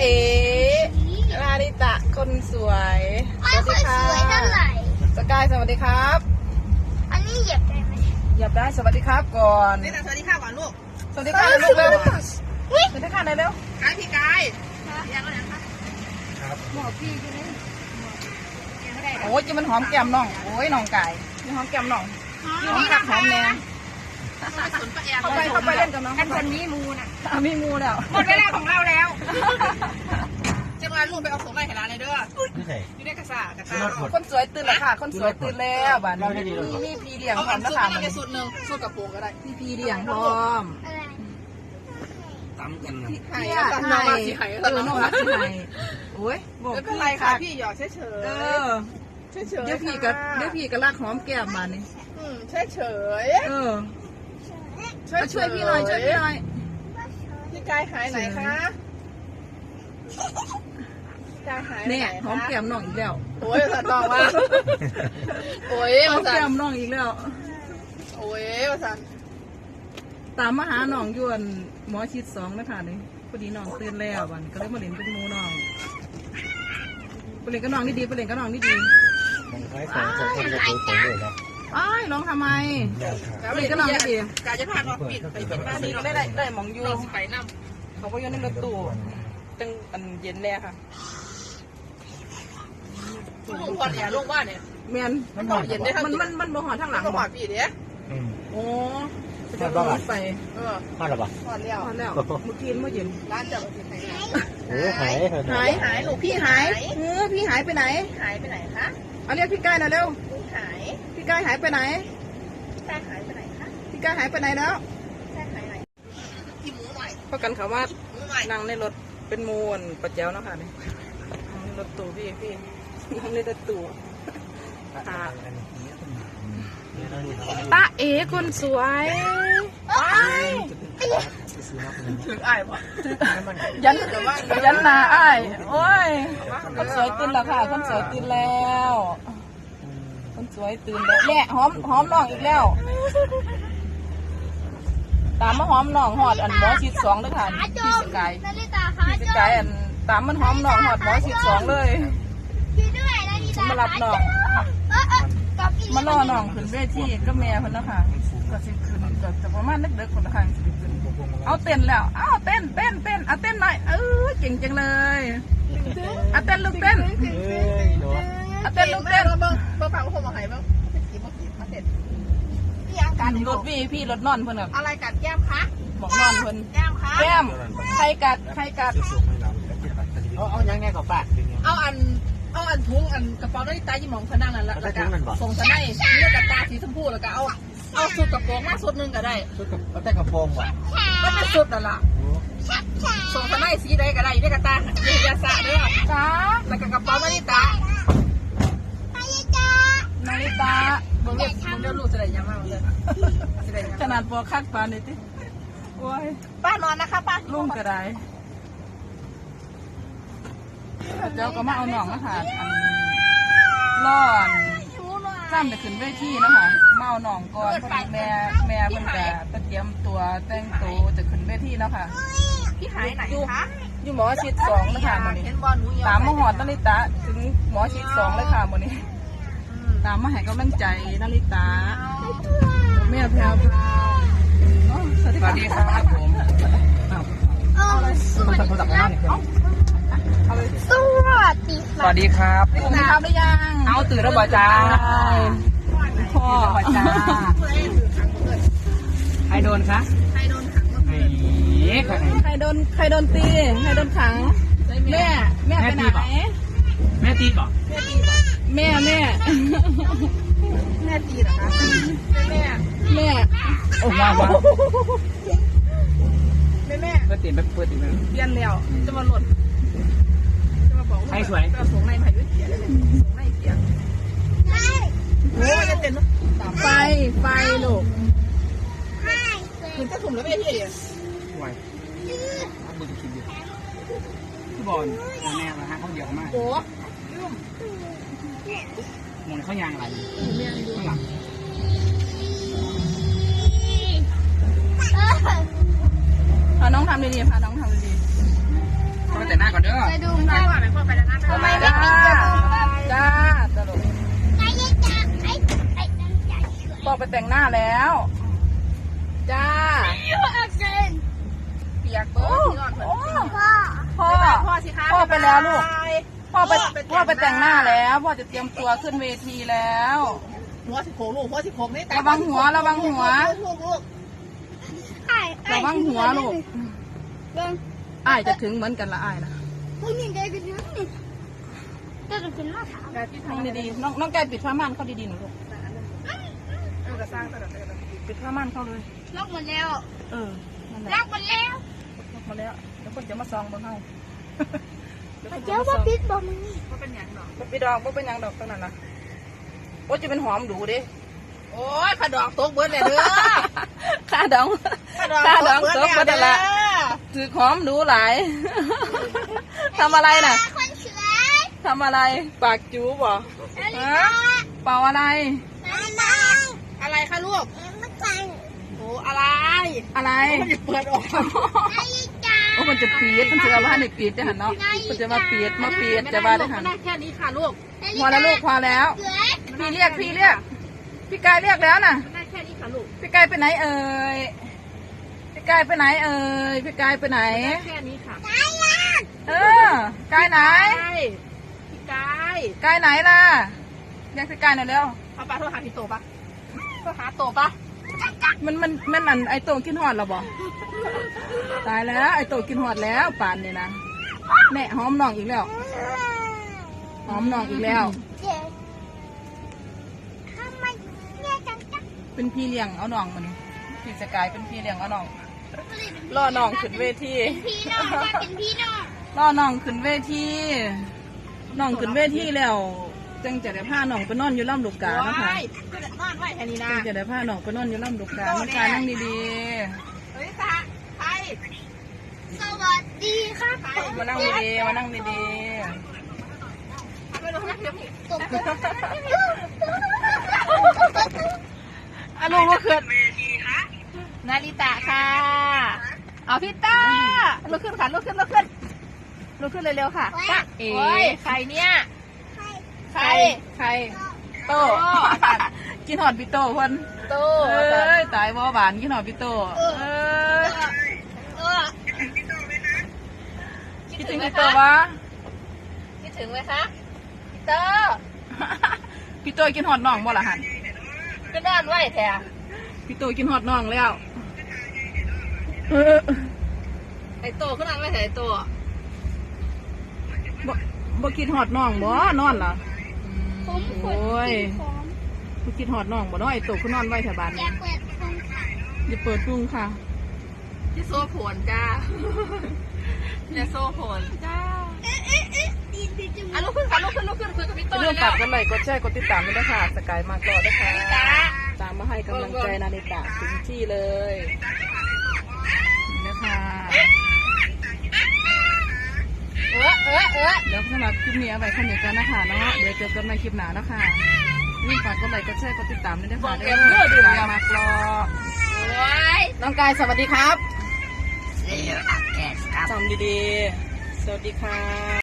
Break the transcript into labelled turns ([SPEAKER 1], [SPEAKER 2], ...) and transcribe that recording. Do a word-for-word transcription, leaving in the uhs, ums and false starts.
[SPEAKER 1] เอ๋ลาลิตะคนสวยสวัสดีค่ะสกายสวัสดีครับ
[SPEAKER 2] อันนี้เหยียบได้ไหม
[SPEAKER 1] เหยียบได้สวัสดีครับก่อน
[SPEAKER 3] นี่แต่สวัสดีค่ะก่อนลูก
[SPEAKER 1] สวัสดีค่ะลูกเร็วสวัสดีค่ะเร็ว
[SPEAKER 3] กายพี่กายยังไงนะคะ
[SPEAKER 1] ครับหมอพี่ใช่ไหมโอ้ยจะมันหอมแก้มน้องโอ้ยน้องไก่มันหอมแก้มน้องหอมกัดหอมแน่เข้าไปเข้าไปเล่นกับน้อง
[SPEAKER 3] กันคนนี้มูน่ะ
[SPEAKER 1] มีมูแล้ว
[SPEAKER 3] หมดเวลาของเราแล้วจะมาลูกไปเอาของไล่ให้ร้านเลยเด้ออยู่ในกระซ่ากระซ่า
[SPEAKER 1] คนสวยตื่นแล้วค่ะคนสวยตื่นแล้วบ้านนี้มีพีเลี้ยงพร้อมนะคะ
[SPEAKER 3] มันเป็นสูตรหนึ่งสูตรกระโปรงก็ได้
[SPEAKER 1] มีพีเลี้ยงพร้อม
[SPEAKER 4] ตำกันนะ
[SPEAKER 3] ไข่ตำน้องมาสีไข่
[SPEAKER 1] เออน้องมาสีไข่โอ้ย
[SPEAKER 3] บอกไม่เป็นไรค่ะพี่หยอกเฉยเฉย
[SPEAKER 1] เออเฉยเฉยเดี๋ยวพี่กับเดี๋ยวพี่กับลากหอมแก้มมานี่
[SPEAKER 3] อืมเฉยเฉย
[SPEAKER 1] เออช่วยพี่หน่อยช่วยพี่หน่อย
[SPEAKER 3] พี่กายหายไหนคะกายหาย
[SPEAKER 1] เนี่ยหอมแก้มน้องอีกแล้ว
[SPEAKER 3] โอ้ยสัตว์ตองว่าโอ้ย
[SPEAKER 1] หอมแก้มน้องอีกแล้ว
[SPEAKER 3] โอ้ยสัตว์
[SPEAKER 1] ตามมาหาน้องยวนหมอชิดสองนะคะนี่พอดีน้องตื่นแล้ววันก็เลยมาเล่นเป็นมูน้องไปเล่นกับน้องนี่ดีไปเล่นกับน้องนี่ดี
[SPEAKER 4] มันคล้ายของของคนจะคุยผมเลยนะ
[SPEAKER 1] อ้ายร้องทำไมไปเล่นกับน้องนี่ดี
[SPEAKER 3] กายจะพาน้องปิดไปปิดบ้านนี้เรา
[SPEAKER 1] ได้ได้ได้หมองยู
[SPEAKER 3] ไปน้
[SPEAKER 1] ำเขาก็ย้อนในรถตู้ตั้งอันเย็นแล้วค่ะ
[SPEAKER 3] ลูกพอดแย่ลูกบ้านเนี่ย
[SPEAKER 1] เมียน
[SPEAKER 3] มันหอดเย็นได้ทั้ง
[SPEAKER 1] มันมันมันบ่หอดทั้งหลัง
[SPEAKER 3] มันหอดปีเนี้ย
[SPEAKER 1] โอ้จะต้องไป
[SPEAKER 3] เออ
[SPEAKER 4] พอดหรอปะ
[SPEAKER 3] พอดแล้ว
[SPEAKER 1] พอดแล้วเมื่อกี้เมื่อเย็น
[SPEAKER 3] ร้านจับกินไหน
[SPEAKER 4] โอ้หาย
[SPEAKER 1] หายหายลูกพี่หายเออพี่หายไปไหน
[SPEAKER 3] หายไปไหนคะ
[SPEAKER 1] เอาเรียกพี่กายหน่อยเร็ว
[SPEAKER 3] หาย
[SPEAKER 1] พี่กายหายไปไหน
[SPEAKER 3] พี่กายหายไปไหนคะ
[SPEAKER 1] พี่กายหายไปไหนแล้ว
[SPEAKER 3] พี่กายหายไหนพี่หมูหน่อย
[SPEAKER 1] เพราะกันเขาว่านั่งในรถเป็นมูนประเจ้าเนาะค่ะนี่รถตู้พี่พี่นั่งในรถตู้ตาเอ๋คนสวย
[SPEAKER 3] ถึงอ้ายป่ะ
[SPEAKER 1] ยันยันนาอ้ายโอ้ยคนสวยตื่นแล้วค่ะคนสวยตื่นแล้วคนสวยตื่นแล้วแม่หอมหอมน้องอีกแล้วตามมาหอมน้องหอดอันหมอชิดสองเลยค่ะพี่สกายพี่สกายอันตามมันหอมน้องหอดหมอชิดสองเลยมารับน้องมาล่อน้องขึ้นเวทีก็แม่คนนะค่ะก็สิขึ้นก็จะประมาณเด็กๆคนละครั้งสิขึ้นเอาเต้นแล้วเอาเต้นเต้นเต้นเอาเต้นหน่อยเออเก่งจังเลยเอาเต้นลูกเต้นเอาเต้นลูกเต้น
[SPEAKER 3] เบิ้งเบิ้งฟังเขาบอกให้เบิ้งกี่โมงกี่มาเสร็จพี่ยังกัด
[SPEAKER 1] รถวีพี่รถนอนเพิ่นแบบ
[SPEAKER 3] อะไรกัดแก้มคะ
[SPEAKER 1] บอกนอนเพิ่น
[SPEAKER 3] แก้มคะ
[SPEAKER 1] แก้มใครกัดใครกัด
[SPEAKER 4] เอาเอายังไงกับป้า
[SPEAKER 3] เอาอันเอาอันทุงอันกระเป๋าได้ตายี่หมองพนังนั่นละแล้วก็ส่งสไนเลือกกระตาสีชมพูแล้วก็เอาเอาสุดกระโปรงมาสุดนึงก็ได้
[SPEAKER 4] สุดกับเอาแต่กระโปรงว่ะ
[SPEAKER 3] ไม่เป็นสุดนั่นละส่งสไนสีใดก็ได้เลือกกระตาเยียสะเด้อ
[SPEAKER 1] จ้า
[SPEAKER 3] แล้วก็กระเป๋านาฬิตา
[SPEAKER 1] นาฬิตา
[SPEAKER 3] มึงเรียกมึงเรียกลูกจะได้ยังมากเลย
[SPEAKER 1] ขนาดปอคักปานนี่ติโอ้ย
[SPEAKER 3] ป้านอนนะคะป้า
[SPEAKER 1] ลุงก็ได้เจ้าก็มาเอาหนองนะคะอันร้อนจ้ำจะขึ้นเวทีนะคะมาเอาหนองก่อนพอดีแม่แม่เพิ่นจะเตรียมตัวแต่งตัวจะขึ้นเวทีแล้วค่ะ
[SPEAKER 3] พี่หายไหนคะ
[SPEAKER 1] อยู่หมอชิดสองนะคะมื้อนี้ตามมาหอดนาริตะถึงหมอชิดสองเลยค่ะมื้อนี้ตามมาให้กำลังใจนาริตะแม่แพรวพราว
[SPEAKER 4] สวัสดีครับผมคนสับคนสับมาเนี่ย
[SPEAKER 2] สวัสดี
[SPEAKER 4] สวัสดีครับ
[SPEAKER 1] คุณทำได้ยัง
[SPEAKER 4] เอาตื่นแล้วบ่จ้า
[SPEAKER 1] พ่อ
[SPEAKER 4] บ่จ้าใครโดนคะ
[SPEAKER 3] ใครโดนขัง
[SPEAKER 1] ใครโดนใครโดนตีใครโดนขังแม่แม่ไปไหน
[SPEAKER 4] แม่ตีบ่
[SPEAKER 3] แม่ตีบ่
[SPEAKER 1] แม่แม่
[SPEAKER 3] แม่ตีเหรอคะแม่
[SPEAKER 1] แม่
[SPEAKER 4] โอ้ว้าว
[SPEAKER 3] แม่แม่
[SPEAKER 4] เปิดตีนแบบเปิดตีนแบบ
[SPEAKER 1] เปลี่ยนแล้วจะมาหล่น
[SPEAKER 4] ใครสวย
[SPEAKER 1] ส่งในพายุเสียเลยส่งในเสียโอ้ยจะเต้นไฟไฟลูก
[SPEAKER 3] คุณจะถุ่มแล้วไม่ที่
[SPEAKER 4] ไหวบุญคิดอยู่ที่บอลแม่ละฮะเขาเดียวมาก
[SPEAKER 3] โอ้
[SPEAKER 4] มองเขายางอะไรข้างหลัง
[SPEAKER 1] พาน้องทำดีๆพาน้องทำดีๆ
[SPEAKER 4] เขาแต่หน้าก่อนเด้อ
[SPEAKER 3] ไปแล้วนะ
[SPEAKER 1] ทำไมไม่ปิดจมูกจ้าตลก
[SPEAKER 2] ไอ้จ้าไอ้ไอ้ตั้งใจช่วย
[SPEAKER 1] พ่อไปแต่งหน้าแล้วจ้า
[SPEAKER 2] เยอะเกิน
[SPEAKER 1] เปียกโอ้โอ้
[SPEAKER 2] พ่อ
[SPEAKER 1] พ่อ
[SPEAKER 3] พ่อสิคะ
[SPEAKER 1] พ่อไปแล้วลูก พ่อไปพ่อไปแต่งหน้าแล้วพ่อจะเตรียมตัวขึ้นเวทีแล้ว
[SPEAKER 3] หัวสิโขลูกหัวสิโขนี่
[SPEAKER 1] ระวังหัวระวังหัว
[SPEAKER 3] ลูกลูก
[SPEAKER 2] ไอ้
[SPEAKER 1] ระวังหัวลูก
[SPEAKER 2] เบิ้ง
[SPEAKER 1] อ้ายจะถึงเหมือนกันละอ้ายนะ
[SPEAKER 2] พวกนี้ได้กันยังนี่จะกินมะขาม
[SPEAKER 3] แบบที่
[SPEAKER 1] น้อง
[SPEAKER 3] ทำ
[SPEAKER 1] ดีๆน้องน้องแกปิดผ้าม่านเข้าดีๆหนูลูก
[SPEAKER 3] เออกระสร้างตลอดเลย
[SPEAKER 1] ปิดผ้าม่านเข้าเลย
[SPEAKER 2] ล็อกหมดแล้ว
[SPEAKER 1] เออนั่นแหละ
[SPEAKER 2] ล็อกหมดแล้ว
[SPEAKER 1] ล็อกมาแล้วเดี๋ยวคนจะมาซองบนเฮา
[SPEAKER 2] เจ้าว่าปิดบ่มึง
[SPEAKER 3] ว่าเป็นอย่างหรอ
[SPEAKER 1] บ่ปิดดอกบ่เป็นหยังดอกตรงนั้นนะโอ้จะเป็นหอมดูดิ
[SPEAKER 3] โอ้ยขาดอกตกเบิร์ดเลยเด้อ
[SPEAKER 1] ค่าดองค่าดองตกบ่ได้ละถือหอมดูหลาย ทำอะไรน่ะ
[SPEAKER 2] คนสวย
[SPEAKER 1] ทำอะไรปากจูบเหรอ
[SPEAKER 2] นาฬิ
[SPEAKER 1] ฮะ
[SPEAKER 2] กา
[SPEAKER 1] เป่าอะไร
[SPEAKER 2] นาฬิกา
[SPEAKER 3] อะไรคะลูก
[SPEAKER 2] ไม่ใช่
[SPEAKER 3] โอ้อะไร
[SPEAKER 1] อะไร
[SPEAKER 3] มันจะเปิดออก
[SPEAKER 2] นาฬิกา
[SPEAKER 1] โอ้มันจะปีดมันจะเอาว่าในปีดจะหันเนาะมันจะมาปีดมาปีดจะว่าได้หัน
[SPEAKER 3] ไม่ได้แค่นี้ค่ะลูก
[SPEAKER 1] พอแล้วลูกพอแล้ว
[SPEAKER 2] สวย
[SPEAKER 1] พี่เรียกพี่เรียกพี่กายเรียกแล้วน่ะ
[SPEAKER 3] ไม่ได้แค่นี้ค่ะลูก
[SPEAKER 1] พี่กายไปไหนเอ่ยพี่กายไปไหนเอ่ยพี่กายไปไหน
[SPEAKER 3] แค่นี้ค่ะ
[SPEAKER 1] เออกายไหน
[SPEAKER 3] พี่กาย
[SPEAKER 1] กายไหนล่ะเรียกพี่กายหน่อยเร็ว
[SPEAKER 3] เอาปลาโทรหาพี่โตปะโทรหาโตปะ
[SPEAKER 1] มันมันมันอันไอโตกินหอดเราบ่ตายแล้วไอโตกินหอดแล้วป่านนี่นะแม่หอมน้องอีกแล้วหอมน้องอีกแล้ว
[SPEAKER 2] เจ็บทำไมเนี่ยจังจัง
[SPEAKER 1] เป็นพี่เลี้ยงเอาน้องมันพี่สกายเป็นพี่เลี้ยงเอาน้องล่อน้องขึ้นเวที
[SPEAKER 2] พี่น้องจะเป็นพี่น้อง
[SPEAKER 1] ล่อน้องขึ้นเวทีน้องขึ้นเวทีแล้วจังจะได้พาน้องไปนอนอยู่ล่ำลูกกานะคะ
[SPEAKER 3] ก็จะนอนไว้แค่นี้นะ
[SPEAKER 1] จังจะได้พาน้องไปนอนอยู่ล่ำลูกกาน้องกานั่งดี
[SPEAKER 3] เฮ้ยตาใคร
[SPEAKER 2] สวัสดีครับ
[SPEAKER 1] ๆมานั่งดีๆมานั่งดี
[SPEAKER 3] ทำไปเลยนะเดี๋ยวพี่
[SPEAKER 2] ตบ
[SPEAKER 1] ๆอ่ะลูกลูกขึ้น
[SPEAKER 3] นาริตะค่ะเอาพี่ต้าลุกขึ้นค่ะลุกขึ้นลุกขึ้นลุกขึ้นเร็วๆค่ะต้าเอ๋ใครเนี่ย
[SPEAKER 1] ใครใครโตกินหอดพี่โตคน
[SPEAKER 3] โต
[SPEAKER 1] เอ้ยตายบ่หวานกินหอดพี่โตเอ้ย
[SPEAKER 2] เออ
[SPEAKER 1] คิดถึงพี่โตวะ
[SPEAKER 3] คิดถึงไหมคะพี่เตอ
[SPEAKER 1] พี่โตกินหอดน้องบ่ล่ะหัน
[SPEAKER 3] ก็นอนไว้แท้
[SPEAKER 1] พี่โตกินหอดน้องแล้วเออ
[SPEAKER 3] ไอโตก็นอนไว้แท้ไอโต
[SPEAKER 1] บ่บ่กินหอดน้องบ่นอนล่ะ
[SPEAKER 2] ผมขน
[SPEAKER 1] โอ้ย
[SPEAKER 2] ของ
[SPEAKER 1] บ่กินหอดน้องบ่เนาะไอ้โตคือนอนไว้แถวบ้าน
[SPEAKER 2] อยากเปิดของค่ะ
[SPEAKER 1] อย่าเปิดดุ้งค่ะ
[SPEAKER 3] ที่โซ่ผลจ้าอย่าโซ่ผลจ้า
[SPEAKER 2] เอ๊ะเอ๊ะเอ๊ะดีดีจัง
[SPEAKER 3] อ่ะลุกขึ้นค่ะลุกขึ้นลุกขึ้นคุยกับพี่โต
[SPEAKER 1] เรื่อง
[SPEAKER 3] แล้
[SPEAKER 1] ฝาก
[SPEAKER 3] ว
[SPEAKER 1] กันไลค์กดแชร์กดติดตามด้วยนะคะสกายมากรอด้วยค่ะ
[SPEAKER 3] นาริตะ
[SPEAKER 1] ตามมาให้กำลังใจนาริตะถึงที่เลยนี่นะคะ
[SPEAKER 3] เออเออเออ
[SPEAKER 1] เดี๋ยวสำหรับคลิปนี้เอาไว้แค่นี้กันนะคะเนาะเดี๋ยวเจอกันในคลิปหน้านะคะนี่ฝากกดไลค์กดแชร์กดติดตามด้วยนะคะเด้อสกายมากรอ
[SPEAKER 3] โอ้ย
[SPEAKER 1] น้องกายสวัสดีครับ
[SPEAKER 2] เสียงแกสครับ
[SPEAKER 1] จำดีๆ สวัสดีค่ะ